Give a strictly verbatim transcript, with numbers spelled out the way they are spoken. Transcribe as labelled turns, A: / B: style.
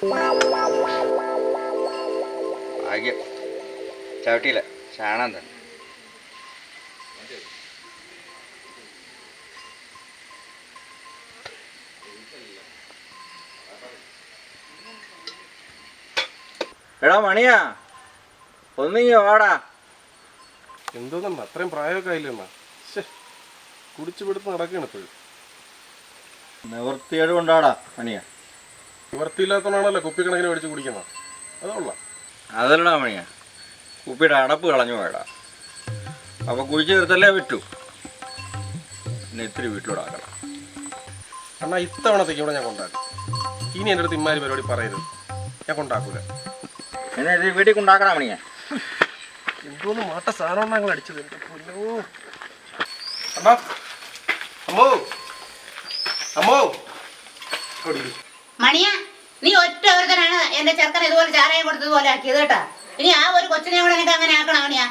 A: ഭാഗ്യം ചവിട്ടിയില്ല, ചാണാൻ തന്നെ. എടാ മണിയാ, ഒന്നിങ്ങി വാടാ.
B: എന്തോന്നമ്മ അത്രയും പ്രായമൊക്കെ ആയില്ലമ്മ. കുടിച്ചു പിടുത്ത് നടക്കുകയാണ് ഇപ്പോഴും.
A: നിവൃത്തിയേട് കൊണ്ടാടാ മണിയാ.
B: നിവൃത്തിയില്ലാത്തതാണല്ലോ കുപ്പിക്കണക്കിന് മേടിച്ച് കുടിക്കുന്നത്. അതുകൊള്ളാം.
A: അതല്ലടാ മണിയാ, കുപ്പിയുടെ അടപ്പ് കളഞ്ഞു പോയടാ. അപ്പോൾ കുഴിച്ച് തീർത്തല്ലേ പറ്റൂ. പിന്നെ ഇത്തിരി വീട്ടിലൂടെ ആക്കണം.
B: അണ്ണാ ഇത്തവണത്തേക്ക് ഇവിടെ ഞാൻ കൊണ്ടാക്കും. ഇനി എൻ്റെ അടുത്ത് ഇമ്മാരി പരിപാടി പറയരുത്, ഞാൻ കൊണ്ടാക്കൂല.
A: എന്നെ ഇത് വീട്ടിൽ കൊണ്ടാക്കണം മണിയാ.
B: എന്തോന്ന് മാട്ട സാധനം ഞങ്ങൾ അടിച്ചത്. എൻ്റെ പൊന്നോ അമ്മോ അമ്മോ അമ്മോ
C: മണിയാ, നീ ഒറ്റ ഒരുത്തനാണ് എന്റെ ചെറുക്കൻ ഇതുപോലെ ചാരായം കൊടുത്തതുപോലെ ആക്കിയത് കേട്ടാ. ഇനി ആ ഒരു കൊച്ചിനെ കൂടെ എനിക്ക് അങ്ങനെ ആക്കണം മണിയാ.